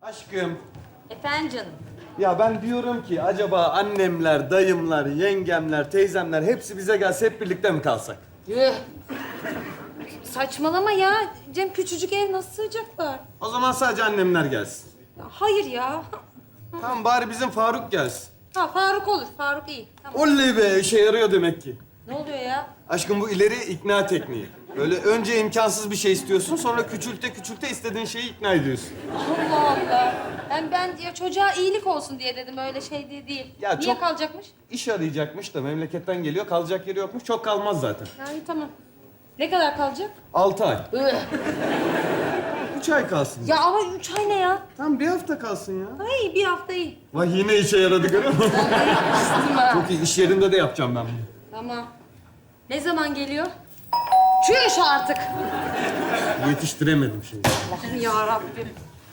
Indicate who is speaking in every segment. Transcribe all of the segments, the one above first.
Speaker 1: Aşkım,
Speaker 2: Efendim canım.
Speaker 1: ya ben diyorum ki acaba annemler, dayımlar, yengemler, teyzemler hepsi bize gelse hep birlikte mi kalsak?
Speaker 2: Yuh. Saçmalama ya. Cem küçücük ev nasıl sığacaklar?
Speaker 1: O zaman sadece annemler gelsin.
Speaker 2: Ya hayır ya.
Speaker 1: Tamam bari bizim Faruk gelsin.
Speaker 2: Ha Faruk olur. Faruk iyi. Tamam.
Speaker 1: Oley be, işe yarıyor demek ki.
Speaker 2: Ne oluyor ya?
Speaker 1: Aşkım bu ileri ikna tekniği. Böyle önce imkansız bir şey istiyorsun, sonra küçülte küçülte istediğin şeyi ikna ediyorsun.
Speaker 2: Allah Allah. Ben ya çocuğa iyilik olsun diye dedim öyle şey diye değil.
Speaker 1: Ya
Speaker 2: Niye
Speaker 1: çok-
Speaker 2: kalacakmış?
Speaker 1: İş arayacakmış da memleketten geliyor, kalacak yeri yokmuş. Çok kalmaz zaten.
Speaker 2: Yani tamam. Ne kadar kalacak?
Speaker 1: 6 ay.
Speaker 2: Üh.
Speaker 1: 3 ay kalsın.
Speaker 2: Ya ama 3 ay ne ya?
Speaker 1: Tamam bir hafta kalsın ya.
Speaker 2: Ay bir hafta iyi.
Speaker 1: Vay yine işe yaradı görüyor musun?
Speaker 2: Vallahi yapmıştım ha.
Speaker 1: Çok iyi, iş yerinde de yapacağım ben bunu.
Speaker 2: Tamam. Ne zaman geliyor? Çüş artık.
Speaker 1: Yetiştiremedim şimdi.
Speaker 2: Allah'ım ya Rabbim.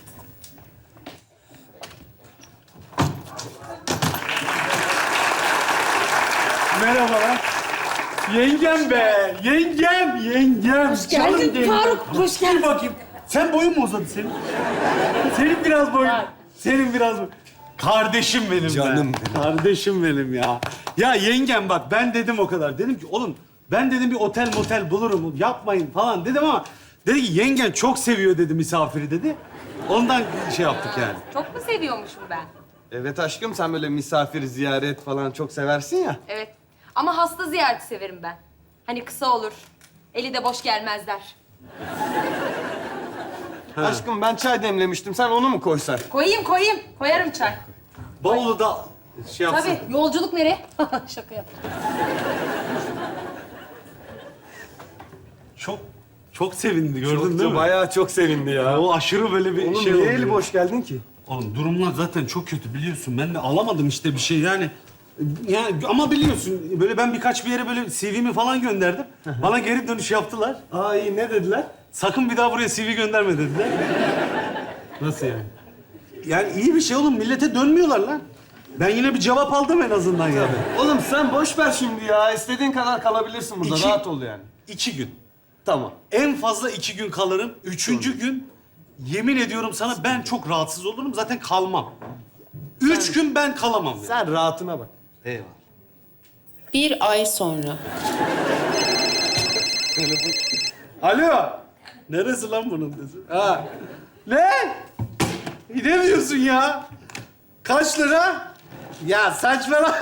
Speaker 3: Merhabalar. Yengem be, yengem.
Speaker 2: Hoş geldin
Speaker 3: Canım yengem.
Speaker 2: Faruk, hoş geldin.
Speaker 3: Dur bakayım. Sen boyun mu uzadı senin? Senin biraz boyun.
Speaker 2: Var.
Speaker 3: Senin biraz boyun. Kardeşim benim
Speaker 1: Canım
Speaker 3: be.
Speaker 1: benim.
Speaker 3: Kardeşim benim ya. Ya yengem bak ben dedim o kadar. Dedim ki oğlum ben dedim bir otel motel bulurum. Yapmayın falan dedim ama dedi ki yengen çok seviyor dedi misafiri dedi. Ondan şey yaptık yani.
Speaker 2: Çok mu seviyormuşum ben?
Speaker 1: Evet aşkım, sen böyle misafir, ziyaret falan çok seversin ya.
Speaker 2: Evet. Ama hasta ziyareti severim ben. Hani kısa olur. Eli de boş gelmezler.
Speaker 1: Aşkım ben çay demlemiştim, sen onu mu koysan?
Speaker 2: Koyayım. Koyarım çay.
Speaker 3: Bavulu da şey yapsın.
Speaker 2: Tabii. Yolculuk nereye? Şaka yap.
Speaker 3: Çok sevindi gördün değil mi?
Speaker 1: Bayağı çok sevindi ya.
Speaker 3: O aşırı böyle bir
Speaker 1: Oğlum
Speaker 3: şey
Speaker 1: niye
Speaker 3: oldu
Speaker 1: eli
Speaker 3: ya.
Speaker 1: boş geldin ki?
Speaker 3: Oğlum durumlar zaten çok kötü biliyorsun. Ben de alamadım işte bir şey yani. Yani ama biliyorsun böyle ben birkaç bir yere böyle CV'mi falan gönderdim. Bana geri dönüş yaptılar.
Speaker 1: Aa iyi, ne dediler?
Speaker 3: Sakın bir daha buraya CV gönderme dediler.
Speaker 1: Nasıl yani?
Speaker 3: Yani iyi bir şey oğlum. Millete dönmüyorlar lan. Ben yine bir cevap aldım en azından yani.
Speaker 1: Oğlum sen boş ver şimdi ya. İstediğin kadar kalabilirsin burada.
Speaker 3: İki-
Speaker 1: Rahat ol yani.
Speaker 3: 2 gün.
Speaker 1: Tamam.
Speaker 3: En fazla 2 gün kalırım. 3. gün yemin ediyorum sana ben çok rahatsız olurum. Zaten kalmam. 3 gün ben kalamam yani.
Speaker 1: Sen rahatına bak.
Speaker 3: Eyvallah.
Speaker 4: Bir ay sonra.
Speaker 3: Alo. Neresi lan bunun sesi? Ha. Ne? Ne diyorsun ya? Kaç lira? Ya saçmalama.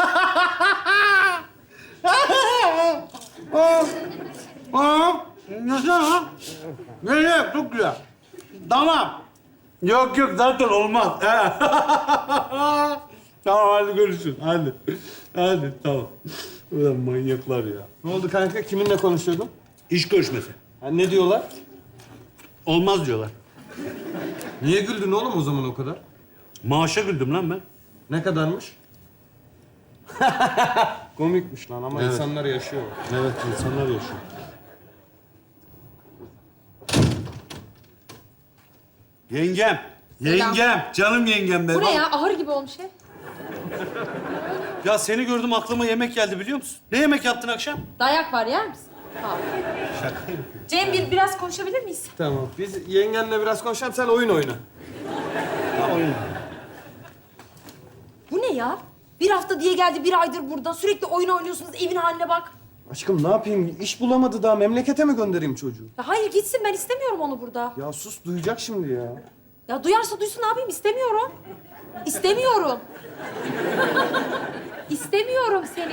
Speaker 3: Nasıl ha? Ne? Çok güzel. Tamam. Yok zaten olmaz. Tamam hadi görüşürüz. Hadi tamam. Ulan manyaklar ya.
Speaker 1: Ne oldu kanka? Kiminle konuşuyordun?
Speaker 3: İş görüşmesi.
Speaker 1: Ha, ne diyorlar?
Speaker 3: Olmaz diyorlar.
Speaker 1: Niye güldün oğlum o zaman o kadar?
Speaker 3: Maaşa güldüm lan ben.
Speaker 1: Ne kadarmış? Komikmiş lan ama
Speaker 3: Evet.
Speaker 1: insanlar yaşıyor.
Speaker 3: Evet, insanlar yaşıyor. Yengem, yengem, canım yengem be.
Speaker 2: Bu ne
Speaker 3: Bak-
Speaker 2: ya? Ahır gibi olmuş ev.
Speaker 3: Ya seni gördüm aklıma yemek geldi biliyor musun? Ne yemek yaptın akşam?
Speaker 2: Dayak var yer misin? Tamam. Cem biraz konuşabilir miyiz?
Speaker 1: Tamam. Biz yengenle biraz konuşalım, sen oyun oyna.
Speaker 3: Ha oyun.
Speaker 2: Bu ne ya? Bir hafta diye geldi, bir aydır burada. Sürekli oyun oynuyorsunuz, evin haline bak.
Speaker 1: Aşkım ne yapayım? İş bulamadı daha. Memlekete mi göndereyim çocuğu?
Speaker 2: Ya hayır gitsin, ben istemiyorum onu burada.
Speaker 1: Ya sus, duyacak şimdi ya.
Speaker 2: Ya duyarsa duysun, ne yapayım? İstemiyorum. İstemiyorum. İstemiyorum seni.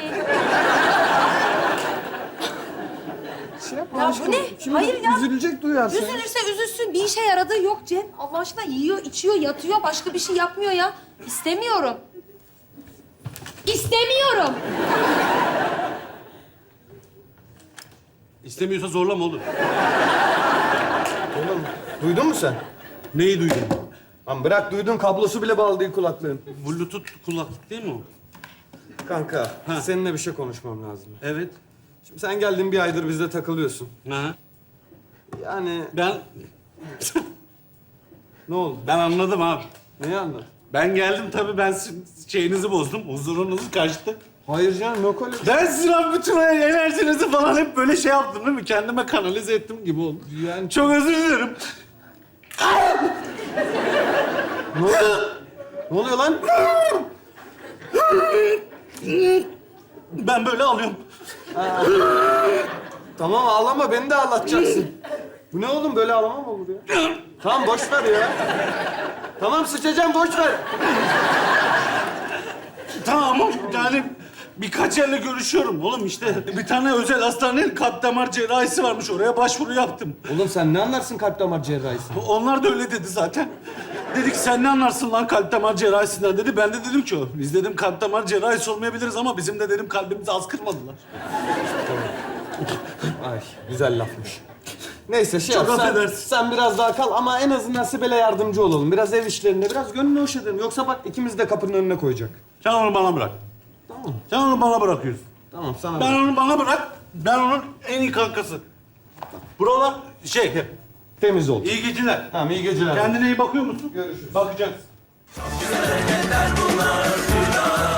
Speaker 1: Şey yapma
Speaker 2: Ya bu
Speaker 1: aşkım.
Speaker 2: ne?
Speaker 1: Şimdi
Speaker 2: Hayır ya.
Speaker 1: üzülecek duyarsa.
Speaker 2: Üzülürse üzülsün. Bir işe yaradığı yok Cem. Allah aşkına yiyor, içiyor, yatıyor. Başka bir şey yapmıyor ya. İstemiyorum. İstemiyorum.
Speaker 3: İstemiyorsa zorlama olur.
Speaker 1: Oğlum duydun mu sen?
Speaker 3: Neyi duydun?
Speaker 1: Lan bırak, duydun, kablosu bile bağlı değil kulaklığın.
Speaker 3: Bluetooth kulaklık değil mi o?
Speaker 1: Kanka
Speaker 3: Ha.
Speaker 1: seninle bir şey konuşmam lazım.
Speaker 3: Evet.
Speaker 1: Şimdi sen geldin, bir aydır bizde takılıyorsun.
Speaker 3: Ha.
Speaker 1: Yani
Speaker 3: Ben
Speaker 1: ne oldu?
Speaker 3: ben anladım abi.
Speaker 1: Neyi anladın?
Speaker 3: Ben geldim tabii ben şeyinizi bozdum. Huzurunuzu kaçtı.
Speaker 1: Hayır canım, yok öyle bir şey.
Speaker 3: Ben sizin abi bütün enerjinizi falan hep böyle şey yaptım değil mi? Kendime kanalize ettim gibi oldu.
Speaker 1: Yani
Speaker 3: Çok özür dilerim.
Speaker 1: Ne oluyor? Ne oluyor lan?
Speaker 3: Ben böyle alıyorum.
Speaker 1: Tamam ağlama, beni de ağlatacaksın. Bu ne oğlum, böyle ağlama mı olur ya? Tamam boş ver ya. Tamam sıçacağım, boş ver.
Speaker 3: Tamam yani birkaç yerle görüşüyorum oğlum işte. Bir tane özel hastanenin kalp damar cerrahisi varmış. Oraya başvuru yaptım.
Speaker 1: Oğlum sen ne anlarsın kalp damar cerrahisi?
Speaker 3: Onlar da öyle dedi zaten. Dedik sen ne anlarsın lan kalp damar cerrahisinden dedi. Ben de dedim ki biz dedim kalp damar cerrahisi olmayabiliriz ama bizim de dedim kalbimizi az kırmadılar.
Speaker 1: Ay güzel lafmış. Neyse şey
Speaker 3: Çok
Speaker 1: yap,
Speaker 3: affedersin.
Speaker 1: sen biraz daha kal ama en azından Sibel'e yardımcı olalım. Biraz ev işlerinde, biraz gönlünü hoş edelim. Yoksa bak ikimiz de kapının önüne koyacak.
Speaker 3: Sen onu bana bırak.
Speaker 1: Tamam.
Speaker 3: Sen onu bana bırakıyorsun.
Speaker 1: Tamam sana
Speaker 3: Ben
Speaker 1: bırak.
Speaker 3: onu bana bırak. Ben onun en iyi kankası. Buralar
Speaker 1: Temiz ol.
Speaker 3: iyi geceler.
Speaker 1: Tamam iyi geceler.
Speaker 3: Kendine iyi bakıyor musun?
Speaker 1: Görüşürüz.
Speaker 3: Bakacağız.
Speaker 5: Güzel hareketler bunlar.